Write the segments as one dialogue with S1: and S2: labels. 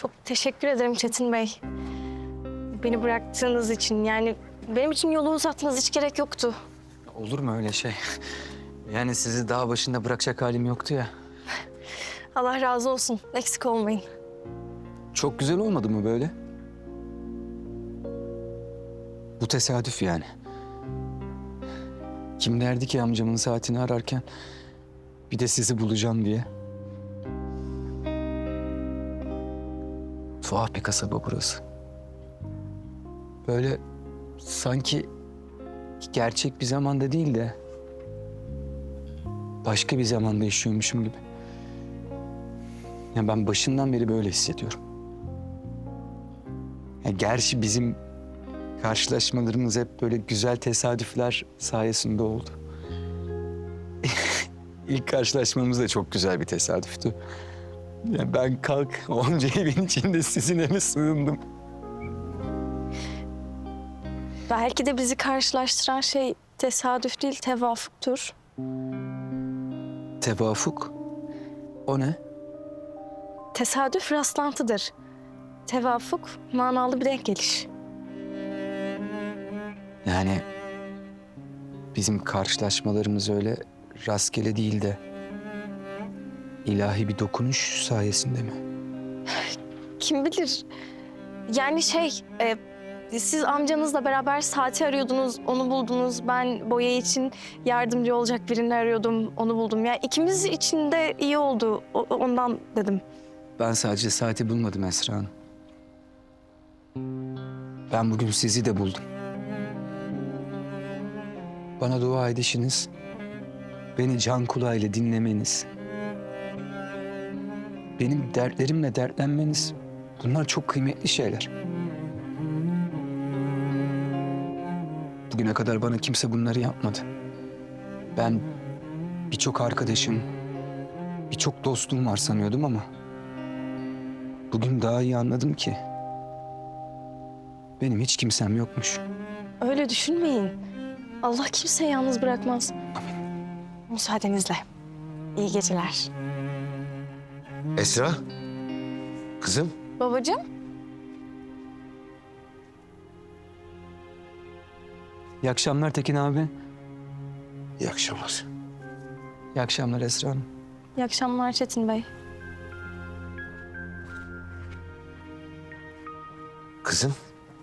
S1: Çok teşekkür ederim Çetin Bey. Beni bıraktığınız için yani benim için yolu uzatmanız hiç gerek yoktu.
S2: Olur mu öyle şey? Yani sizi dağ başında bırakacak halim yoktu ya.
S1: Allah razı olsun. Eksik olmayın.
S2: Çok güzel olmadı mı böyle? Bu tesadüf yani. Kim derdi ki amcamın saatini ararken bir de sizi bulacağım diye. Tuhaf bir kasaba burası. Böyle sanki gerçek bir zamanda değil de başka bir zamanda yaşıyormuşum gibi. Ya ben başından beri böyle hissediyorum. Ya gerçi bizim karşılaşmalarımız hep böyle güzel tesadüfler sayesinde oldu. İlk karşılaşmamız da çok güzel bir tesadüftü. Ya ben kalk onca evin içinde sizin eve sığındım.
S1: Belki de bizi karşılaştıran şey tesadüf değil, tevafuktur.
S2: Tevafuk? O ne?
S1: Tesadüf rastlantıdır. Tevafuk manalı bir denk geliş.
S2: Yani bizim karşılaşmalarımız öyle rastgele değil de ilahi bir dokunuş sayesinde mi?
S1: Kim bilir? Yani siz amcanızla beraber saati arıyordunuz, onu buldunuz. Ben boya için yardımcı olacak birini arıyordum, onu buldum. Ya ikimiz için de iyi oldu, ondan dedim.
S2: Ben sadece saati bulmadım Esra Hanım. Ben bugün sizi de buldum. Bana dua edişiniz, beni can kulağıyla dinlemeniz, benim dertlerimle dertlenmeniz, bunlar çok kıymetli şeyler. Bugüne kadar bana kimse bunları yapmadı. Ben birçok arkadaşım, birçok dostum var sanıyordum ama bugün daha iyi anladım ki benim hiç kimsem yokmuş.
S1: Öyle düşünmeyin. Allah kimseyi yalnız bırakmaz. Müsaadenizle. İyi geceler.
S3: Esra, kızım.
S1: Babacığım.
S2: İyi akşamlar Tekin abi.
S3: İyi akşamlar.
S2: İyi akşamlar Esra Hanım.
S1: İyi akşamlar Çetin Bey.
S3: Kızım.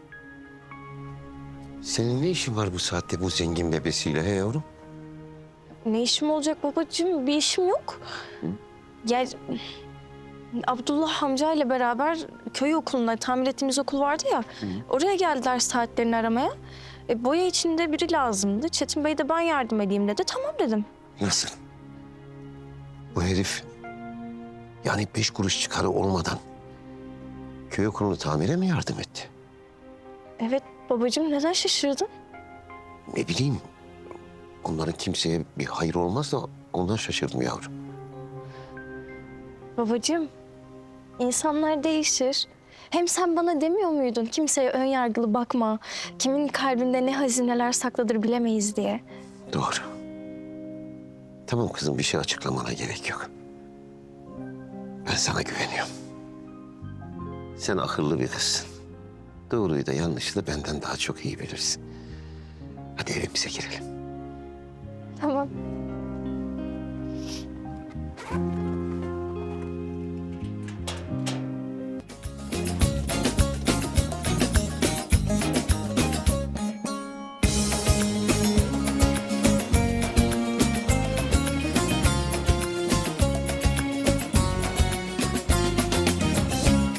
S3: Senin ne işin var bu saatte bu zengin bebesiyle he yavrum?
S1: Ne işim olacak babacığım? Bir işim yok. Ya Abdullah amcayla beraber köy okuluna, tamir ettiğimiz okul vardı ya. Oraya geldiler saatlerini aramaya. Boya içinde biri lazımdı. Çetin Bey de ben yardım edeyim dedi. Tamam dedim.
S3: Nasıl? Bu herif yani 5 kuruş çıkarı olmadan köy okulunu tamire mi yardım etti?
S1: Evet babacığım, neden şaşırdın?
S3: Ne bileyim. Onların kimseye bir hayır olmaz da ondan şaşırdım yavrum.
S1: Babacığım, insanlar değişir. Hem sen bana demiyor muydun kimseye ön yargılı bakma. Kimin kalbinde ne hazineler sakladır bilemeyiz diye.
S3: Doğru. Tamam kızım, bir şey açıklamana gerek yok. Ben sana güveniyorum. Sen akıllı bir kızsın. Doğruyu da yanlışı da benden daha çok iyi bilirsin. Hadi evimize girelim.
S1: Tamam.